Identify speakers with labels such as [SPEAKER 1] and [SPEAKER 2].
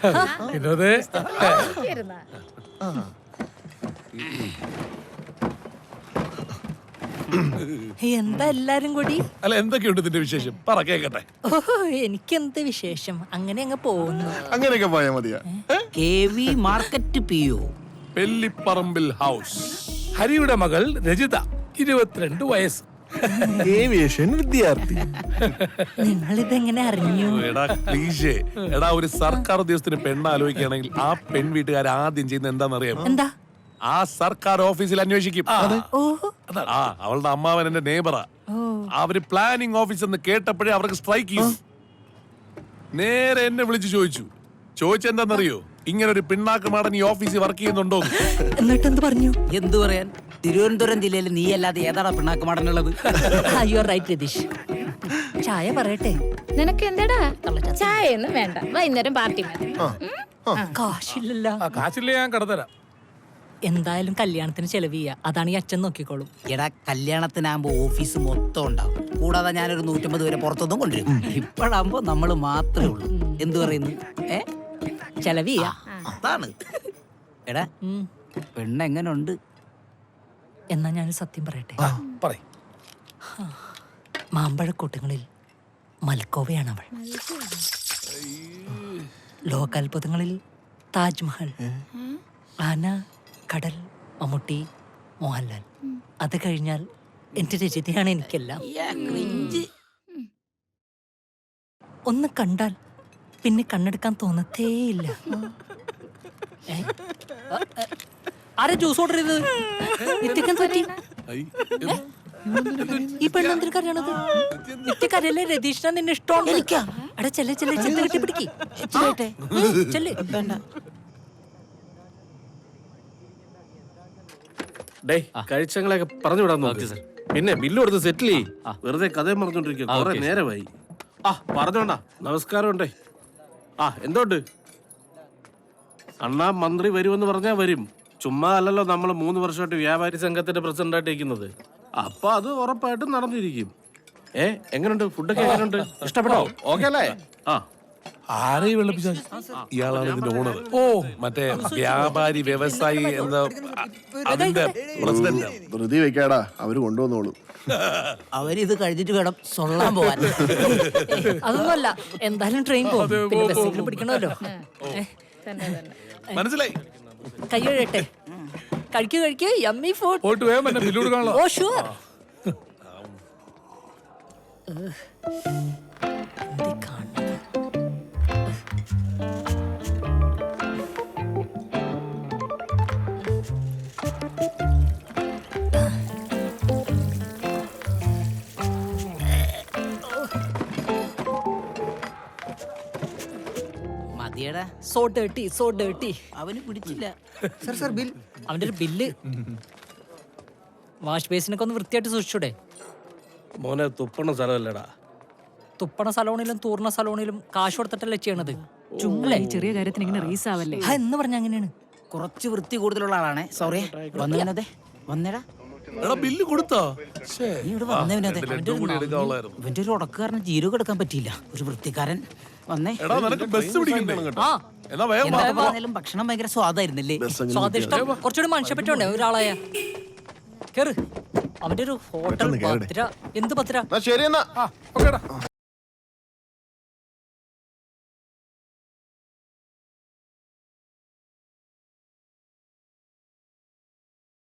[SPEAKER 1] വിനോദേ
[SPEAKER 2] എന്താ എല്ലാരും കൂടി?
[SPEAKER 1] അല്ല എന്തൊക്കെയുണ്ട് ഇതിന്റെ വിശേഷം? പറ കേക്കട്ടെ.
[SPEAKER 2] ഓഹോ, എനിക്കെന്ത് വിശേഷം, അങ്ങനെ അങ്ങ് പോകുന്നു.
[SPEAKER 3] അങ്ങനെയൊക്കെ പോയാ മതിയാ.
[SPEAKER 4] KV മാർക്കറ്റ് PO
[SPEAKER 1] പെല്ലിപ്പറമ്പിൽ ഹൗസ്. ഹരിയുടെ മകൾ രജിത, 22 വയസ്സ്.
[SPEAKER 3] ഏവിയേഷൻ വിദ്യാർത്ഥി.
[SPEAKER 2] നിങ്ങളിതെങ്ങനെ അറിഞ്ഞു?
[SPEAKER 1] എടാ ഒരു സർക്കാർ ഉദ്യോഗസ്ഥന് പെണ്ണ് ആലോചിക്കുകയാണെങ്കിൽ ആ പെൺ വീട്ടുകാർ ആദ്യം ചെയ്യുന്ന എന്താണെന്നറിയാം?
[SPEAKER 2] എന്താ?
[SPEAKER 1] ആ സർക്കാർ ഓഫീസിൽ അന്വേഷിക്കും. അവളുടെ അമ്മാവൻ എന്റെ നെയ്ബറാ. അവര് പ്ലാനിംഗ് ഓഫീസ് എന്ന് കേട്ടപ്പോഴേ അവർക്ക് സ്ട്രൈക്ക് ചെയ്യും. നേരെ എന്നെ വിളിച്ചു ചോദിച്ചെന്താന്നറിയോ? ഇങ്ങനെ ഒരു പിണ്ണാക്ക് മാടൻ ഈ ഓഫീസിൽ വർക്ക് ചെയ്യുന്നുണ്ടോ?
[SPEAKER 2] എന്നിട്ട് എന്ത് പറഞ്ഞു?
[SPEAKER 4] എന്തു പറയാൻ, തിരുവനന്തപുരം ജില്ലയിൽ നീ അല്ലാതെ ഏതാടാ പിണ്ണാക്കുമാടനുള്ളത്?
[SPEAKER 2] You are right Ratheesh. ചായ പറയട്ടെ?
[SPEAKER 5] നിനക്ക് എന്താടാ ചായ ഒന്നും വേണ്ട, വൈകുന്നേരം പാർട്ടി മതി.
[SPEAKER 2] കാശില്ലല്ലോ.
[SPEAKER 1] കാശില്ല, ഞാൻ കടത്തരാം.
[SPEAKER 2] എന്തായാലും കല്യാണത്തിന് ചെലവ് ചെയ്യാ, അതാണ് ഈ അച്ഛൻ നോക്കിക്കോളും.
[SPEAKER 4] എടാ കല്യാണത്തിനാകുമ്പോ ഓഫീസ് മൊത്തം ഉണ്ടാവും. കൂടാതെ ഞാനൊരു 150 പേരെ പുറത്തൊന്നും കൊണ്ടുവരും. ഇപ്പോഴാകുമ്പോ നമ്മള് മാത്രമേ ഉള്ളൂ. എന്തു പറയുന്നു?
[SPEAKER 2] ചെലവ് ചെയ്യാ.
[SPEAKER 4] അതാണ്. എടാ പെണ്ണെങ്ങനുണ്ട്?
[SPEAKER 2] എന്നാ ഞാൻ സത്യം പറയട്ടെ?
[SPEAKER 1] പറയ്.
[SPEAKER 2] മാമ്പഴക്കൂട്ടങ്ങളിൽ മൽക്കോവയാണ് അവൾ. ലോകാത്ഭുതങ്ങളിൽ താജ്മഹൽ, ആന, കടൽ, മമ്മൂട്ടി, മോഹൻലാൽ. അത് കഴിഞ്ഞാൽ എന്റെ രചിതയാണ് എനിക്കെല്ലാം. ഒന്ന് കണ്ടാൽ പിന്നെ കണ്ണെടുക്കാൻ തോന്നത്തേയില്ല. ആരാ ജ്യൂസ് ഓർഡർ ചെയ്തത്? നിത്യക്കെന്ത് പറ്റി? ഈ പെണ്ണെന്തിനു കരയണത്? നിത്യക്കരയല്ലേ? രതീഷിനെ നിന്നെ ഇഷ്ടമാണ്. എടാ ചെല്ലെ ചെന്ന് കെട്ടി പിടിക്ക്.
[SPEAKER 6] കഴിച്ചങ്ങളൊക്കെ പറഞ്ഞു വിടാൻ നോക്ക്. പിന്നെ ബില്ല് കൊടുത്ത് സെറ്റിൽ ചെയ്യും. വെറുതെ കഥയും പറഞ്ഞോണ്ടിരിക്കും. കുറെ നേരമായി. പറഞ്ഞോണ്ടാ. നമസ്കാരം ഉണ്ടേ. എന്തോണ്ട്? അണ്ണാ മന്ത്രി വരുമെന്ന് പറഞ്ഞാ വരും. ചുമ്മാ അല്ലല്ലോ നമ്മൾ 3 വർഷമായിട്ട് വ്യാപാരി സംഘത്തിന്റെ പ്രസിഡന്റ് ആയിട്ട് ഇരിക്കുന്നത്. അപ്പൊ അത് ഉറപ്പായിട്ടും നടന്നിരിക്കും. എങ്ങനെയുണ്ട്? ഫുഡൊക്കെ എങ്ങനെയുണ്ട്? ഇഷ്ടപ്പെട്ടോ? ഓക്കെ അല്ലേ?
[SPEAKER 1] ആരെയും വെള്ളപ്പിച്ച ഇയാളാണ് ഇതിന്റെ ഓണർ. മറ്റേ വ്യാപാരി വ്യവസായി എന്താ അതിന്റെ പ്രസിഡന്റ്.
[SPEAKER 3] ധൃതി വെക്കാടാ, അവര് കൊണ്ടുവന്നോളൂ.
[SPEAKER 4] അവരിത് കഴിഞ്ഞിട്ട് വേണം സൊള്ളാൻ പോവാൻ.
[SPEAKER 2] അതൊന്നുമല്ല, എന്തായാലും ട്രെയിൻ പോകും, പിന്നെ ബസ്സെങ്കിലും പിടിക്കണമല്ലോ.
[SPEAKER 1] മനസ്സിലായി.
[SPEAKER 2] കൈ കഴിയട്ടെ. കഴിക്കൂ യമ്മി ഫുഡ്.
[SPEAKER 1] പോയിട്ട് വേഗം എന്നെ ബില്ല് കൊടുക്കാനുള്ള.
[SPEAKER 2] Oh sure.
[SPEAKER 4] മതിയടാ.
[SPEAKER 2] So dirty.
[SPEAKER 4] അവന് പിടിച്ചില്ല.
[SPEAKER 2] അവന്റെ ഒരു ബില്ല്. വാഷ് ബേസിനൊക്കെ ഒന്ന് വൃത്തിയായിട്ട് സൂക്ഷിച്ചൂടെ?
[SPEAKER 6] മോനെ തുപ്പണ സ്ഥലമല്ലടാ.
[SPEAKER 2] തുപ്പണ സലോണിലും തൂർണ സലോണിലും കാശ് കൊടുത്തിട്ടല്ലേ ചെയ്യണത്.
[SPEAKER 5] ചെറിയ കാര്യത്തിന് ഇങ്ങനെ റീസ് ആവല്ലേ
[SPEAKER 2] എന്ന് പറഞ്ഞ അങ്ങനെയാണ്.
[SPEAKER 4] കുറച്ച് വൃത്തി കൂടുതലുള്ള ആളാണേ. സോറി. വന്നേ വന്നേടാ.
[SPEAKER 1] ബില്ല് കൊടുത്തോ?
[SPEAKER 4] നീ ഇവിടെ വന്നവനതെ. ഇവന്റെ ഒരു ഉടക്കുകാരന് ജീരകം എടുക്കാൻ പറ്റിയില്ല. ഒരു വൃത്തിക്കാരൻ വന്നേ. എന്തായാലും ഭക്ഷണം ഭയങ്കര സ്വാദായിരുന്നല്ലേ?
[SPEAKER 2] സ്വാദിഷ്ടം കുറച്ചുകൂടി മനുഷ്യപ്പറ്റുണ്ടേ ഒരാളായ. കേറ്. അവന്റെ ഒരു ഹോട്ടൽ. എന്ത് പത്ര?
[SPEAKER 3] ശരി എന്നാ.